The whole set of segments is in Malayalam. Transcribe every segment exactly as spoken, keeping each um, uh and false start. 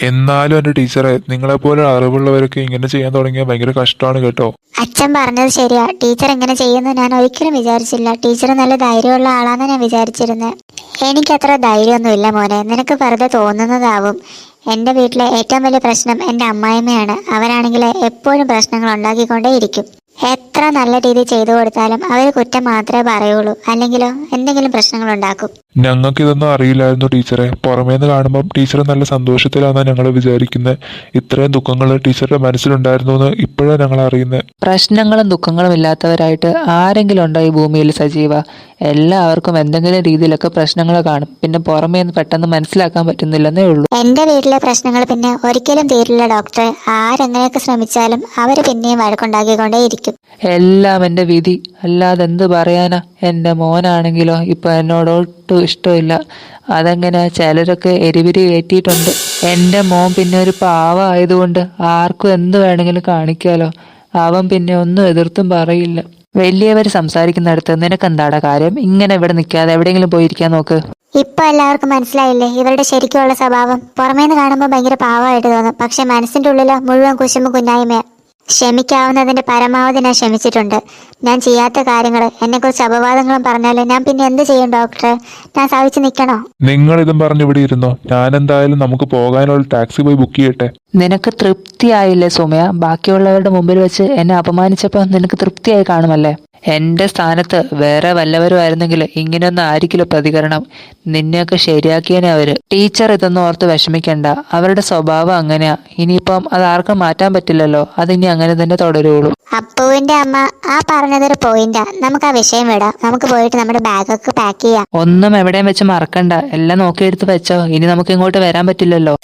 എന്നാലും എൻ്റെ ടീച്ചറെ, നിങ്ങളെപ്പോലെ അറിവുള്ളവരൊക്കെ ഇങ്ങനെ ചെയ്യാൻ തുടങ്ങിയാൽ ഭയങ്കര കഷ്ടമാണ് കേട്ടോ. അച്ഛൻ പറഞ്ഞത് ശരിയാ. ടീച്ചർ ഇങ്ങനെ ചെയ്യുന്നു ഞാൻ ഒരിക്കലും വിചാരിച്ചില്ല. ടീച്ചർ നല്ല ധൈര്യമുള്ള ആളാന്ന് ഞാൻ വിചാരിച്ചിരുന്നത്. എനിക്കത്ര ധൈര്യമൊന്നുമില്ല മോനെ, നിനക്ക് വെറുതെ തോന്നുന്നതാവും. എൻ്റെ വീട്ടിലെ ഏറ്റവും വലിയ പ്രശ്നം എൻ്റെ അമ്മായിമ്മയാണ്. അവരാണെങ്കിൽ എപ്പോഴും പ്രശ്നങ്ങൾ ഉണ്ടാക്കിക്കൊണ്ടേയിരിക്കും. എത്ര നല്ല രീതിയിൽ ചെയ്തു കൊടുത്താലും അവർ കുറ്റം മാത്രമേ പറയുള്ളൂ, അല്ലെങ്കിലോ എന്തെങ്കിലും പ്രശ്നങ്ങൾ ഉണ്ടാക്കും. ഞങ്ങൾക്ക് ഇതൊന്നും അറിയില്ലായിരുന്നു ടീച്ചറെ. പുറമേന്ന് കാണുമ്പം ടീച്ചർ നല്ല സന്തോഷത്തിലാണെന്നാണ് ഞങ്ങൾ വിചാരിക്കുന്നത്. ഇത്രയും ദുഃഖങ്ങൾ ടീച്ചറുടെ മനസ്സിലുണ്ടായിരുന്നു എന്ന് ഇപ്പോഴാണ് ഞങ്ങൾ അറിയുന്നത്. പ്രശ്നങ്ങളും ദുഃഖങ്ങളും ഇല്ലാത്തവരായിട്ട് ആരെങ്കിലും ഉണ്ടോ ഈ ഭൂമിയിൽ സജീവ? എല്ലാവർക്കും എന്തെങ്കിലും രീതിയിലൊക്കെ പ്രശ്നങ്ങൾ കാണും. പിന്നെ പുറമേ നിന്ന് പെട്ടെന്ന് മനസ്സിലാക്കാൻ പറ്റുന്നില്ലെന്നേ ഉള്ളൂ. എന്റെ വീട്ടിലെ പ്രശ്നങ്ങൾ പിന്നെ ഒരിക്കലും തീരില്ല ഡോക്ടറെ. ആരെങ്ങനെയൊക്കെ ശ്രമിച്ചാലും അവര് പിന്നെയും വഴക്കുണ്ടാക്കിക്കൊണ്ടേയിരിക്കും. എല്ലാം എൻ്റെ വിധി, അല്ലാതെ എന്ത് പറയാനാ. എൻ്റെ മോനാണെങ്കിലോ ഇപ്പൊ എന്നോട് ഒട്ടും ഇഷ്ടമില്ല. അതെങ്ങനെ ചിലരൊക്കെ എരിവിരി കയറ്റിയിട്ടുണ്ട്. എൻ്റെ മോൻ പിന്നെ ഒരു പാവ ആയതുകൊണ്ട് ആർക്കും എന്ത് വേണമെങ്കിലും കാണിക്കാലോ. അവൻ പിന്നെ ഒന്നും എതിർത്തും പറയില്ല. വലിയവർ സംസാരിക്കുന്നിടത്ത് നിനക്കെന്താടാ കാര്യം? ഇങ്ങനെ ഇവിടെ നിൽക്കാതെ എവിടെയെങ്കിലും പോയിരിക്കാൻ നോക്ക്. ഇപ്പൊ എല്ലാവർക്കും മനസ്സിലായില്ലേ ഇവരുടെ ശരിക്കുള്ള സ്വഭാവം? പുറമേന്ന് കാണുമ്പോൾ ഭയങ്കര പാവമായിട്ട് തോന്നും, പക്ഷെ മനസ്സിന്റെ ഉള്ളില് മുഴുവൻ കുശുമ്പ് കുന്നായ്മ. ക്ഷമിക്കാവുന്നതിന്റെ പരമാവധി ഞാൻ ക്ഷമിച്ചിട്ടുണ്ട്. ഞാൻ ചെയ്യാത്ത കാര്യങ്ങൾ എന്നെക്കുറിച്ച് അപവാദങ്ങളും പറഞ്ഞാല് ഞാൻ പിന്നെ എന്ത് ചെയ്യും ഡോക്ടറെ? ഞാൻ സഹിച്ചു നിൽക്കണോ? നിങ്ങൾ ഇതും പറഞ്ഞു ഇവിടെ ഇരുന്നോ. ഞാൻ എന്തായാലും നമുക്ക് പോകാനുള്ള ടാക്സി പോയി ബുക്ക് ചെയ്യട്ടെ. നിനക്ക് തൃപ്തിയായില്ലേ സൗമ്യ? ബാക്കിയുള്ളവരുടെ മുമ്പിൽ വെച്ച് എന്നെ അപമാനിച്ചപ്പോൾ നിനക്ക് തൃപ്തിയായി കാണുമല്ലേ? എൻ്റെ സ്ഥാനത്ത് വേറെ വല്ലവരും ആയിരുന്നെങ്കിൽ ഇങ്ങനെയൊന്നും ആയിരിക്കില്ല പ്രതികരണം. നിന്നെയൊക്കെ ശരിയാക്കിയനെ അവര്. ടീച്ചർ ഇതൊന്നും ഓർത്ത് വിഷമിക്കണ്ട. അവരുടെ സ്വഭാവം അങ്ങനെയാ. ഇനിയിപ്പം അത് ആർക്കും മാറ്റാൻ പറ്റില്ലല്ലോ. അതിനി അങ്ങനെ തന്നെ തുടരുള്ളൂ. അപ്പുവിന്റെ അമ്മ ആ പറഞ്ഞതൊരു പോയിന്റാ. നമുക്ക് ആ വിഷയം വിടാം. നമുക്ക് പോയിട്ട് നമ്മുടെ ബാഗൊക്കെ പാക്ക് ചെയ്യാം. ഒന്നും എവിടെയും വെച്ച് മറക്കണ്ട. എല്ലാം നോക്കിയെടുത്ത് വെച്ചോ. ഇനി നമുക്ക് ഇങ്ങോട്ട് വരാൻ പറ്റില്ലല്ലോ.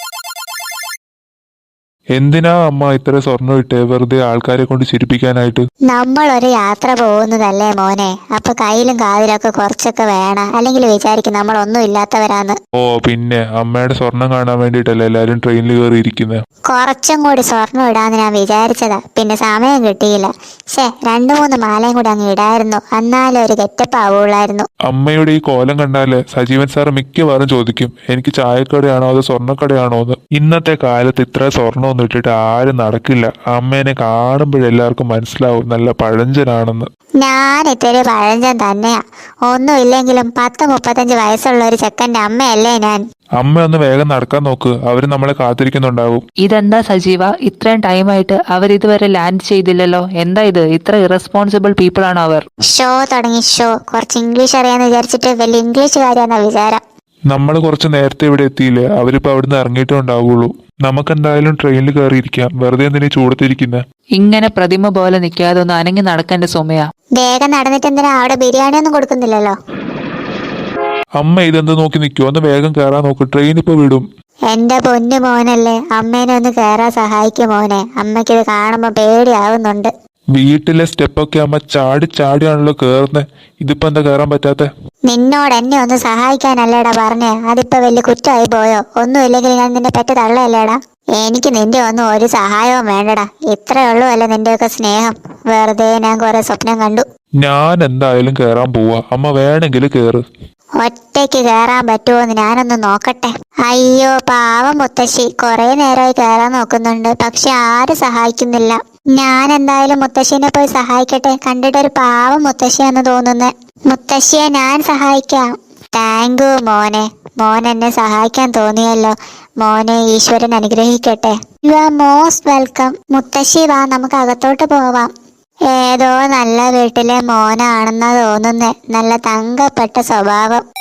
എന്തിനാ അമ്മ ഇത്ര സ്വർണ്ണം ഇട്ടേ? വെറുതെ ആൾക്കാരെ കൊണ്ട് ചിരിപ്പിക്കാനായിട്ട്. നമ്മൾ ഒരു യാത്ര പോകുന്നതല്ലേ മോനെ, അപ്പൊ കയ്യിലും കാതിലൊക്കെ കുറച്ചൊക്കെ വേണം, അല്ലെങ്കിൽ വിചാരിക്കും നമ്മൾ ഒന്നും ഇല്ലാത്തവരാന്ന്. ഓ പിന്നെ അമ്മയുടെ സ്വർണം കാണാൻ വേണ്ടിയിട്ടല്ലേ എല്ലാരും ട്രെയിനിൽ കയറി ഇരിക്കുന്നത്. കുറച്ചും കൂടി സ്വർണ്ണം ഇടാന്ന് ഞാൻ വിചാരിച്ചതാ, പിന്നെ സമയം കിട്ടിയില്ല. ശേ, രണ്ടു മൂന്ന് മാലയും കൂടി അങ്ങ് ഇടായിരുന്നു, എന്നാലും ഒരു ഗെറ്റപ്പ് ആവുള്ളായിരുന്നു. അമ്മയുടെ ഈ കോലം കണ്ടാല് സജീവൻ സാറ് മിക്കവാറും ചോദിക്കും എനിക്ക് ചായക്കടയാണോ അതോ സ്വർണ്ണക്കടയാണോ എന്ന്. ഇന്നത്തെ കാലത്ത് ഇത്ര സ്വർണ്ണമൊന്നും ഇട്ടിട്ട് ആരും നടക്കില്ല. അമ്മേനെ കാണുമ്പോഴെല്ലാവർക്കും മനസ്സിലാവും നല്ല പഴഞ്ചനാണെന്ന്. ഞാൻ ഇത്തിരി പഴഞ്ചൻ തന്നെയാ. ഒന്നും ഇല്ലെങ്കിലും പത്ത് മുപ്പത്തഞ്ച് വയസ്സുള്ള ഒരു ചെക്കൻ്റെ അമ്മയല്ലേ ഞാൻ. അമ്മ ഒന്ന് വേഗം നടക്കാൻ നോക്ക്, അവര് നമ്മളെ കാത്തിരിക്കുന്നുണ്ടാവും. ഇതെന്താ സജീവ, ഇത്രയും ടൈമായിട്ട് അവർ ഇതുവരെ ലാൻഡ് ചെയ്തില്ലല്ലോ? എന്താ ഇത്? ഇത്ര ഇറസ്പോൺസിബിൾ പീപ്പിൾ ആണോ അവർ? ഷോ തുടങ്ങി ഷോ. കുറച്ച് ഇംഗ്ലീഷ് അറിയാന്ന് വിചാരിച്ചിട്ട് വലിയ ഇംഗ്ലീഷുകാരിയാന്ന വിചാരം. നമ്മൾ കുറച്ച് നേരത്തെ ഇവിടെ എത്തിയില്ലേ, അവരിപ്പോ അവിടുന്ന് ഇറങ്ങിയിട്ടേ ഉണ്ടാവുള്ളൂ. നമുക്കെന്തായാലും ട്രെയിനിൽ കയറിയിരിക്കാം. വെറുതെ എന്തിനാ ചൂടത്തിരിക്കുന്നത്? ഇങ്ങനെ പ്രതിമ പോലെ നിൽക്കാതെ ഒന്ന് അനങ്ങി നടക്കേണ്ട സൗമ്യ. വേഗം നടന്നിട്ട് എന്തിനാ? അവിടെ ബിരിയാണി ഒന്നും കൊടുക്കുന്നില്ലല്ലോ. അമ്മ ഇതെന്ത് നോക്കി നിൽക്കുവോ? ഒന്ന് വേഗം കയറാൻ നോക്ക്, ട്രെയിൻ ഇപ്പൊ വിടും. എന്റെ പൊന്നു മോനല്ലേ, അമ്മേനെ ഒന്ന് കയറാൻ സഹായിക്കും മോനെ. അമ്മയ്ക്കിത് കാണുമ്പോ പേടിയാവുന്നുണ്ട്. വീട്ടിലെ സ്റ്റെപ്പൊക്കെ അമ്മ ചാടി ചാടിയാണല്ലോ കേറുന്നത്. ഇതിപ്പോ എന്താ കയറാൻ പറ്റാത്തെ? നിന്നോട് എന്നെ ഒന്ന് സഹായിക്കാനല്ലേടാ പറഞ്ഞേ, അതിപ്പോ വലിയ കുറ്റമായി പോയോ? ഒന്നും ഇല്ലെങ്കിൽ ഞാൻ നിന്നെ പെറ്റ് തള്ളയല്ലേടാ. എനിക്ക് നിന്റെ ഒന്നും ഒരു സഹായവും വേണ്ടടാ. ഇത്രേ ഉള്ളൂ അല്ലേ നിന്റെയൊക്കെ സ്നേഹം? വെറുതെ ഞാൻ കുറെ സ്വപ്നം കണ്ടു. ഞാൻ എന്തായാലും കേറാൻ പോവാ. അമ്മ വേണമെങ്കിൽ കേറ്. ഒറ്റയ്ക്ക് കയറാൻ പറ്റുമോന്ന് ഞാനൊന്ന് നോക്കട്ടെ. അയ്യോ പാവം മുത്തശ്ശി, കുറെ നേരമായി കയറാൻ നോക്കുന്നുണ്ട്, പക്ഷെ ആരും സഹായിക്കുന്നില്ല. ഞാൻ എന്തായാലും മുത്തശ്ശീനെ പോയി സഹായിക്കട്ടെ. കണ്ടിട്ടൊരു പാവം മുത്തശ്ശിയാന്ന് തോന്നുന്നേ. മുത്തശ്ശിയെ ഞാൻ സഹായിക്കാം. താങ്ക് യു മോനെ. മോൻ എന്നെ സഹായിക്കാൻ തോന്നിയല്ലോ. മോനെ ഈശ്വരൻ അനുഗ്രഹിക്കട്ടെ. You are most welcome. മുത്തശ്ശി വാ, നമുക്ക് അകത്തോട്ട് പോവാം. ഏതോ നല്ല വീട്ടിലെ മോനാണെന്നാ തോന്നുന്നേ. നല്ല തങ്കപ്പെട്ട സ്വഭാവം.